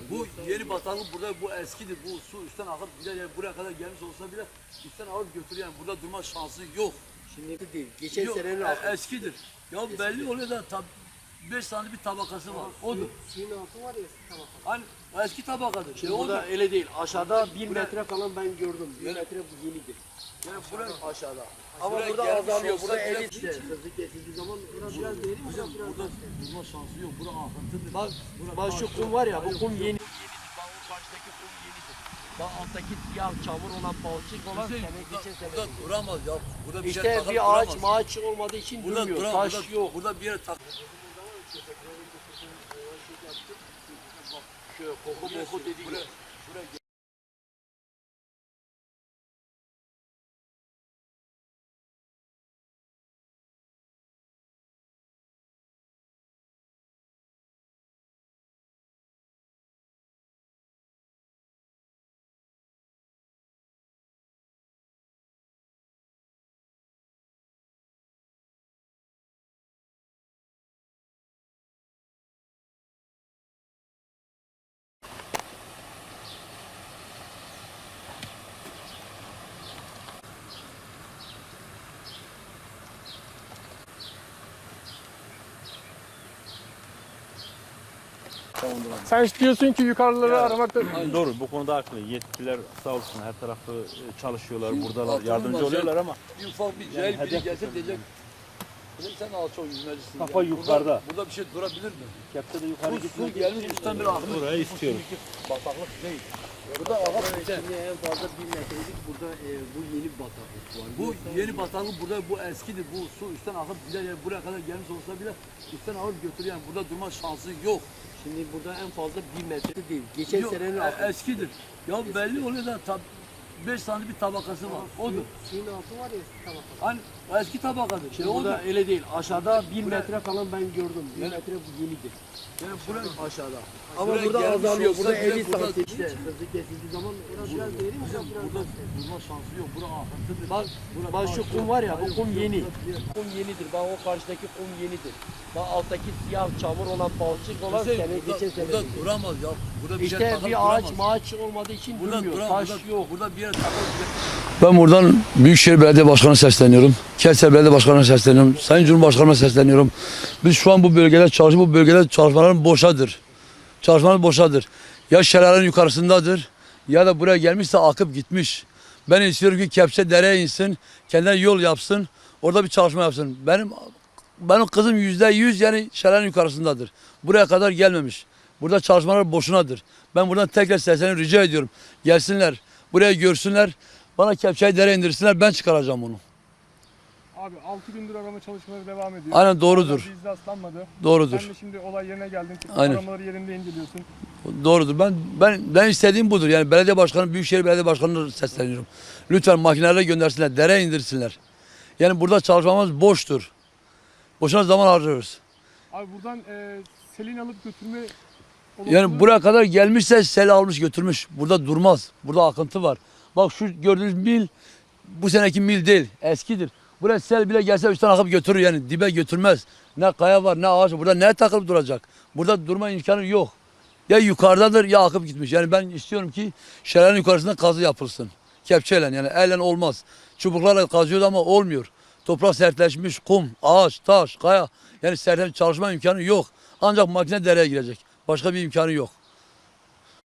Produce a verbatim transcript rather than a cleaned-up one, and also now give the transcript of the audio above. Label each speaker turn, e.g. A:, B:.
A: Bu yeni bataklık burada, bu eskidir. Bu su üstten akıp gider, yani buraya kadar gelmiş olsa bile üstten alıp götürüyor, yani burada durma şansı yok.
B: Şimdi değil. Geçen
A: Yok,
B: senenin
A: e,
B: altı.
A: eskidir. Ya eskidir. Belli oluyor da tab beş tane bir tabakası var. Odur.
B: Suyun altı var ya eski tabaka.
A: Hani eski tabakadır.
B: Şimdi
A: E,
B: burada
A: odur.
B: öyle değil. Aşağıda bir
A: Buraya-
B: metre falan ben gördüm. Bir
A: Yani-
B: metre bu yenidir.
A: Yani buraya
B: Aşağıda. Ama
A: Buraya
B: burada
A: gelmiş
B: azalıyor.
A: olsa
B: Burada
A: bile-
B: elli işte. Sözü kesildiği zaman biraz biraz değil mi?
A: Hocam
B: Biraz
A: burada
B: biraz.
A: durma şansı yok. Bura akıntıdır.
B: Bak,
A: Bura
B: bak şu
A: taş
B: kum
A: yok.
B: var ya, bu
A: Hayır,
B: kum
A: yok.
B: yeni. Bak o karşıdaki kum yenidir. Bak alttaki siyah çamur olan balçık olan
A: Hüseyin,
B: sene
A: burada,
B: geçen sene.
A: burada duramaz ya. Burada bir yer
B: İşte
A: takılıp
B: bir ağaç
A: duramaz.
B: maaç olmadığı için
A: Burada
B: durmuyor.
A: duramaz.
B: Taş
A: Burada,
B: yok.
A: burada bir yer tak.
B: Şöyle koku moku dediği
A: Buraya,
B: yok.
A: buraya
C: Sen diyorsun ki yukarıları
D: Ya,
C: aramakta...
D: Doğru, bu konuda haklı. Yetkililer sağ olsun her tarafı e, çalışıyorlar,
A: Şu
D: buradalar,
A: altın
D: yardımcı
A: olmaz,
D: oluyorlar ama
A: bir ufak bir
D: Yani
A: cahil biri
D: hedef
A: gelsin
D: tutalım
A: diyecek. Dedim sen alçak yüzmecisin.
D: Kafa yukarıda.
A: Burada, burada bir şey durabilir mi?
D: kepçe de yukarı
A: Bu su
D: gitmek
A: gelmiş üstten bir akmış.
D: Burayı istiyorum.
A: Bataklık değil. Burada akıp gider.
B: Şimdi en fazla bir metrelik burada e, bu yeni bataklık var.
A: Bu
B: Yoksa-
A: yeni bataklık burada, bu eskidir. Bu su üstten akıp gider, yani buraya kadar gelmiş olsa bile üstten alıp götürüyor, yani burada durma şansı yok.
B: Şimdi burada en fazla bir metre değil. Geçen
A: Yok,
B: senenin
A: e,
B: altı.
A: eskidir. Ya belli oluyor da tab beş tane bir tabakası var. Odur.
B: Suyun altı var ya eski tabaka.
A: Hani eski tabakadır.
B: Şimdi
A: E, odur.
B: burada öyle değil. Aşağıda bir
A: Buraya-
B: metre falan ben gördüm. Bir
A: Yani-
B: metre bu yenidir.
A: Yani buraya
B: Aşağıda. Ama
A: Buraya
B: burada
A: gelmiş
B: azalıyor.
A: olsa
B: Burada
A: bile
B: elli
A: burada-
B: santim işte. Sözü kesildiği zaman biraz biraz değil mi?
A: Hocam
B: Biraz
A: burada
B: biraz.
A: durma şansı yok. Bura akıntıdır.
B: Bak,
A: Bura
B: bak
A: taş
B: şu
A: yok.
B: kum var ya, bu
A: Hayır,
B: kum
A: yok,
B: yeni.
A: yok, yok.
B: Kum yenidir. Bak o karşıdaki kum yenidir. Bak alttaki siyah çamur olan balçık olan
A: Hüseyin,
B: sene
A: burada,
B: geçen sene.
A: burada duramaz ya. Burada bir yer
B: İşte
A: takılıp
B: bir ağaç
A: duramaz.
B: maaç olmadığı için
A: Burada
B: durmuyor.
A: duramaz.
B: Taş
A: Burada,
B: yok.
A: burada bir yer takılıp Ben buradan Büyükşehir Belediye Başkanı'na sesleniyorum. Kevser Belediye Başkanı'na sesleniyorum. Sayın Cumhurbaşkanı'na sesleniyorum. Biz şu an bu bölgede çalışıyoruz. Bu bölgede çalışmaların boşadır. Çalışmalar boşadır. Ya şelalenin yukarısındadır ya da buraya gelmişse akıp gitmiş. Ben istiyorum ki Kepçe dereye insin, kendine yol yapsın, orada bir çalışma yapsın. Benim benim kızım yüzde yüz yani şelalenin yukarısındadır. Buraya kadar gelmemiş. Burada çalışmalar boşunadır. Ben buradan tekrar sesleniyorum, rica ediyorum. Gelsinler, buraya görsünler, bana Kepçe'yi dereye indirsinler, ben çıkaracağım onu.
C: Abi altı gündür arama çalışmaları devam ediyor.
A: Aynen doğrudur.
C: Hala bir iz rastlanmadı.
A: Doğrudur.
C: Sen de şimdi olay yerine geldin.
A: Aynen.
C: Aramaları yerinde inceliyorsun.
A: Doğrudur. Ben ben ben istediğim budur. Yani belediye başkanı, Büyükşehir Belediye Başkanı'na sesleniyorum. Lütfen makinelerle göndersinler, dereye indirsinler. Yani burada çalışmamız boştur. Boşuna zaman harcıyoruz.
C: Abi buradan e, selin alıp götürme
A: Yani
C: olasılığı-
A: buraya kadar gelmişse sel almış götürmüş. Burada durmaz. Burada akıntı var. Bak şu gördüğünüz mil bu seneki mil değil. Eskidir. Buraya sel bile gelse üstten akıp götürür yani. Dibe götürmez. Ne kaya var ne ağaç var. Burada ne takılıp duracak? Burada durma imkanı yok. Ya yukarıdadır ya akıp gitmiş. Yani ben istiyorum ki şelalenin yukarısında kazı yapılsın. Kepçeyle yani elle olmaz. Çubuklarla kazıyoruz ama olmuyor. Toprak sertleşmiş, kum, ağaç, taş, kaya. Yani sertleşmiş çalışma imkanı yok. Ancak makine dereye girecek. Başka bir imkanı yok.